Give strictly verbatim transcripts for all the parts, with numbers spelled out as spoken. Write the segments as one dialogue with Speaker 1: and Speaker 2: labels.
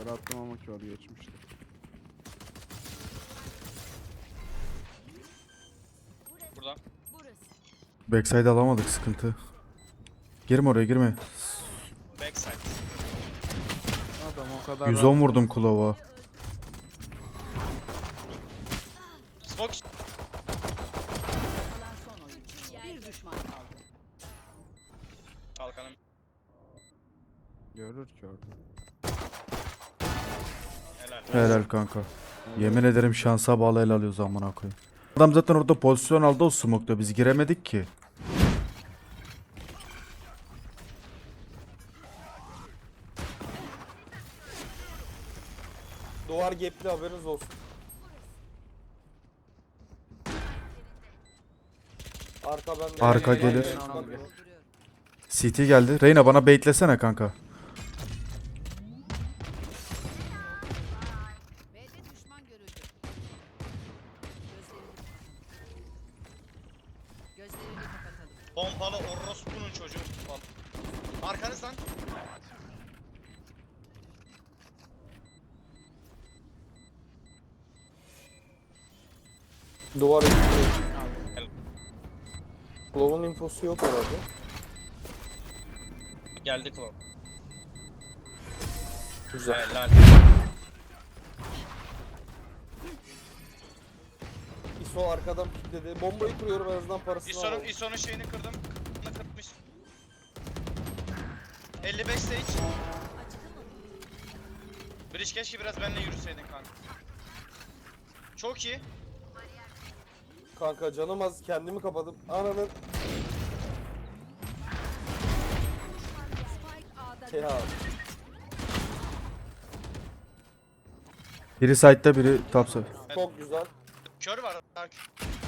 Speaker 1: Yukarı attım ama kör geçmişti.
Speaker 2: Burada.
Speaker 3: Backside alamadık, sıkıntı. Girme oraya, girme.
Speaker 2: Backside.
Speaker 1: Adam o kadar
Speaker 3: yüz on
Speaker 1: rahat-
Speaker 3: vurdum kulava.
Speaker 2: Smoke.
Speaker 4: Kalan son oyuncu. Bir düşman kaldı.
Speaker 2: Kalkanım.
Speaker 1: Görür ki orada.
Speaker 2: Helal.
Speaker 3: Helal kanka. Yemin ederim şansa bağlı el alıyoruz amına koyayım. Adam zaten orada pozisyon aldı o smoke'da, biz giremedik ki.
Speaker 5: Duvar gapli, haberiniz olsun. Arka bende.
Speaker 3: Arka
Speaker 5: Ben de
Speaker 3: gelir.
Speaker 5: ben de.
Speaker 4: Dolduruyorum.
Speaker 3: C T geldi. Reyna bana baitlesene kanka.
Speaker 4: B'de düşman görüldü. Gözlerini Gözlerini kapatalım.
Speaker 2: Pompalı orospunun çocuğu. Arkanızdan.
Speaker 5: Duvar gapli. Glow'un infosu yok herhalde.
Speaker 2: Geldi Klov.
Speaker 5: Güzel.
Speaker 2: Helal.
Speaker 5: ISO arkadan kilitledi. Bombayı kuruyorum, en azından parasını
Speaker 2: İso'nun
Speaker 5: alalım.
Speaker 2: İso'nun şeyini kırdım. Kırdım kırmış. elli beş stage. Bridge keşke biraz benimle yürüseydin kanka. Çok iyi.
Speaker 5: Kanka canım az, kendimi kapadım. Ananın.
Speaker 4: Spike A'da
Speaker 5: Ya.
Speaker 3: Biri side'da, biri topside.
Speaker 5: Çok güzel.
Speaker 2: Kör var. Daha kör.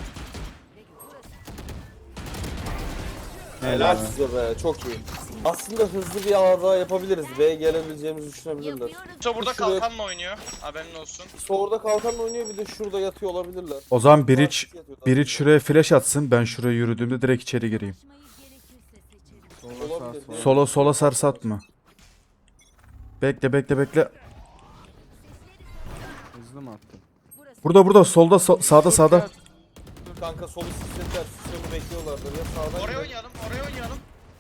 Speaker 5: Helal size be, çok iyi. Aslında hızlı bir ağır daha yapabiliriz. B'ye gelebileceğimizi düşünebilirler.
Speaker 2: İso burada
Speaker 5: Şuraya-
Speaker 2: kalkanla oynuyor. Haberin olsun.
Speaker 5: ISO orada kalkanla oynuyor, bir de şurada yatıyor olabilirler.
Speaker 3: O zaman Bridge,
Speaker 5: Yatıyor daha
Speaker 3: Bridge
Speaker 5: güzel.
Speaker 3: şuraya flash atsın, ben şuraya yürüdüğümde direkt içeri gireyim.
Speaker 1: Sola sağ
Speaker 5: Olabilir.
Speaker 1: sola.
Speaker 3: Sola sola sarsatma. Bekle bekle bekle.
Speaker 1: Hızlı mı attın?
Speaker 3: Burada burada solda so- sağda sağda.
Speaker 5: Kanka solu sistemler, sistemi bekliyorlardır ya sağdan.
Speaker 2: Oraya
Speaker 5: gidelim.
Speaker 2: oynayalım. Oraya oynayalım.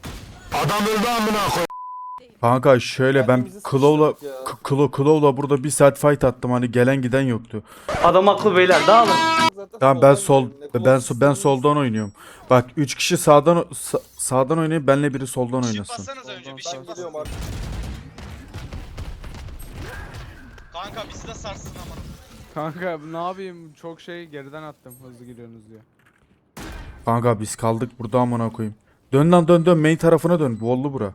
Speaker 3: Kanka şöyle ben
Speaker 5: Kendimizi
Speaker 3: Claw'la
Speaker 5: sıçradık ya.
Speaker 3: K- Claw, Claw'la burada bir saat fight attım, hani gelen giden yoktu.
Speaker 6: Adam aklı beyler dağılın.
Speaker 5: Zaten
Speaker 3: Tamam ben
Speaker 5: soldan
Speaker 3: sol
Speaker 5: gidelim. Ne
Speaker 3: ben
Speaker 5: kulak
Speaker 3: so- ben
Speaker 5: sistemi-
Speaker 3: soldan oynuyorum. Bak üç kişi sağdan sa- sağdan oynayıp benle biri soldan
Speaker 2: Shift
Speaker 3: oynasın.
Speaker 2: bassanıza önce. Bir
Speaker 1: Soldan
Speaker 2: shift
Speaker 5: Ben geliyorum
Speaker 2: basın.
Speaker 5: artık.
Speaker 2: Kanka bizi de sarsın ama.
Speaker 1: Kanka ne yapayım, çok şey geriden attım hızlı giriyorsunuz diye.
Speaker 3: Kanka biz kaldık burada amına koyayım. Dön lan dön dön, main tarafına dön. Bollu bura.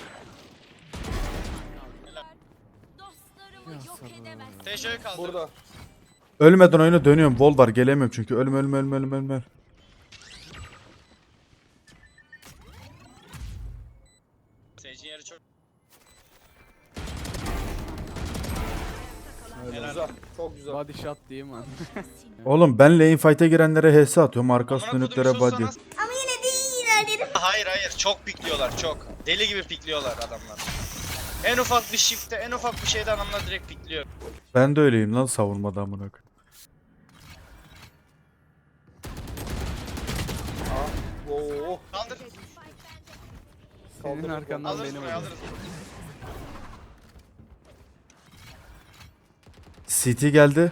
Speaker 7: Dostlarımı yok edemez.
Speaker 2: T J'yi kaldır.
Speaker 5: Burada.
Speaker 3: Ölmeden oyuna dönüyorum. Wall var, gelemiyorum çünkü. Ölme ölme ölme ölme ölme.
Speaker 2: Sage'in yeri çok.
Speaker 5: Güzel. Çok güzel.
Speaker 1: Body shot diyeyim ben.
Speaker 3: Oğlum ben lane fight'e girenlere H S atıyorum. Arkası
Speaker 2: Amına
Speaker 3: dönüklere
Speaker 2: kodum,
Speaker 3: body.
Speaker 2: sus sana. Hayır hayır, çok pikliyorlar çok. Deli gibi pikliyorlar adamlar. En ufak bir shift'te, en ufak bir şeyde adamlar direkt pikliyor.
Speaker 3: Ben de öyleyim lan savunmada amına koyayım.
Speaker 5: Oo.
Speaker 2: Kaldır.
Speaker 1: Senin
Speaker 5: Kaldırdım.
Speaker 1: arkandan
Speaker 2: Alırız
Speaker 1: benim
Speaker 2: buraya
Speaker 1: öldüm.
Speaker 2: alırız.
Speaker 3: C T geldi.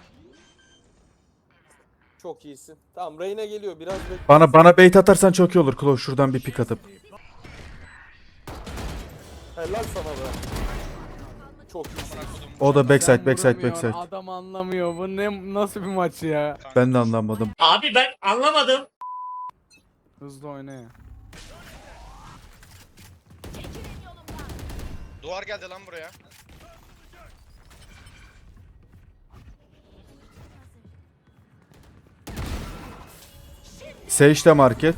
Speaker 5: Çok iyisin. Tamam, Reyna geliyor, biraz bekle.
Speaker 3: Bana bana bait atarsan çok iyi olur. Claw şuradan bir pick atıp.
Speaker 5: Helal sana be. Çok iyisin.
Speaker 3: O da backside
Speaker 1: Sen
Speaker 3: backside
Speaker 1: vuramıyor,
Speaker 3: backside.
Speaker 1: Adam anlamıyor. Bu ne, nasıl bir maç ya?
Speaker 3: Ben de anlamadım.
Speaker 6: Abi ben anlamadım.
Speaker 1: Hızlı oyna ya.
Speaker 2: Duvar geldi lan buraya.
Speaker 3: Sage de market.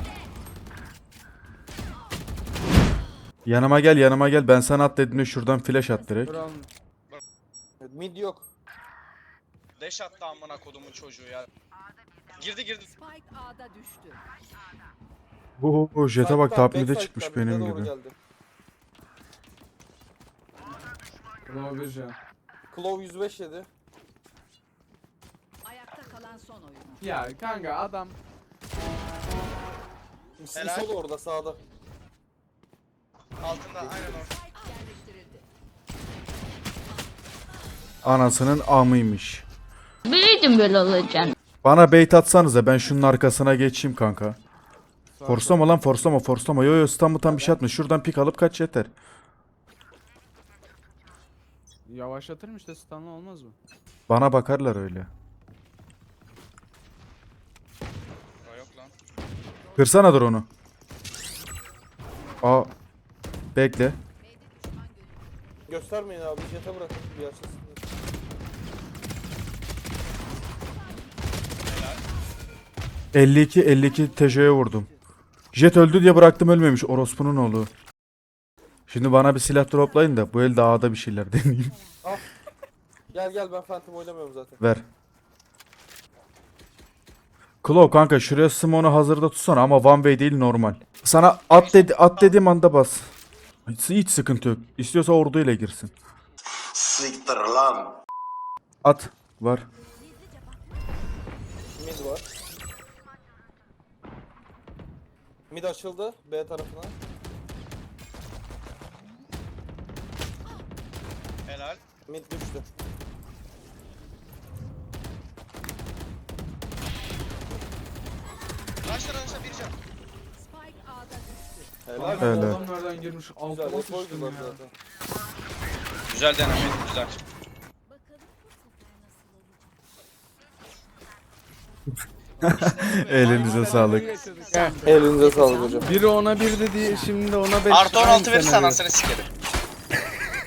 Speaker 3: Yanıma gel yanıma gel. Ben sana at dediğinde şuradan flash at direkt.
Speaker 1: Buranın
Speaker 5: Evet, mid yok.
Speaker 2: Deş attı amına kodumun çocuğu ya. Girdi girdi.
Speaker 4: Spike A'da düştü.
Speaker 3: Bu bu jete bak,
Speaker 5: Side'dan,
Speaker 3: top mid'e
Speaker 5: backside'dan
Speaker 3: çıkmış
Speaker 5: mid'e
Speaker 3: benim
Speaker 5: doğru
Speaker 3: gibi.
Speaker 5: geldi.
Speaker 1: Pro Vision.
Speaker 5: Claw yüz beş yedi.
Speaker 4: Ayakta kalan son oyuncu.
Speaker 1: Ya kanka adam
Speaker 2: Helal.
Speaker 5: Sol orada sağda.
Speaker 2: Altında aynen orada.
Speaker 4: Yerleştirildi.
Speaker 3: Anasının amıymış.
Speaker 7: Biliyordum böyle olacağını.
Speaker 3: Bana bait atsanıza ben şunun arkasına geçeyim kanka. Forslama lan forslama forslama. Yo yo stun tam bir şey atma. Şuradan pik alıp kaç yeter.
Speaker 1: yavaşlatırım işte, stunlı olmaz mı?
Speaker 3: Bana bakarlar öyle.
Speaker 2: Aa, yok lan.
Speaker 3: Kırsana dur onu. Aa. Bekle.
Speaker 5: Göstermeyin abi. Jet'e bırakın. Bir açılsın.
Speaker 3: elli iki elli iki T J'ye vurdum. Jet öldü diye bıraktım, ölmemiş orospunun oğlu. Şimdi bana bir silah droplayın da bu elde A'da bir şeyler deneyeyim.
Speaker 5: Gel gel, ben Phantom oynamıyorum zaten.
Speaker 3: Ver. Claw kanka şuraya smoke'u hazırda tutsana ama one way değil, normal. Sana at dedi at dediğim anda bas. Hiç, hiç sıkıntı yok. İstiyorsa orduyla girsin.
Speaker 8: Siktir lan.
Speaker 3: At var.
Speaker 5: Mid var. Mid açıldı B tarafına.
Speaker 2: Helal.
Speaker 5: Mid düştü.
Speaker 2: Raşla raşla bir can.
Speaker 4: Spike A'da düştü.
Speaker 5: Helal.
Speaker 1: Kanka,
Speaker 3: Helal.
Speaker 1: adam nereden girmiş?
Speaker 5: Güzel.
Speaker 1: Altıma
Speaker 5: Hep
Speaker 1: sıçtım
Speaker 5: oydular
Speaker 1: ya.
Speaker 5: zaten.
Speaker 2: Güzel denemeydi güzel.
Speaker 3: Elinize sağlık.
Speaker 5: Elinize sağlık hocam.
Speaker 1: Biri ona bir dedi, şimdi ona beş.
Speaker 2: Artı on altı verirsen
Speaker 1: Aynı
Speaker 2: anasını sikerim.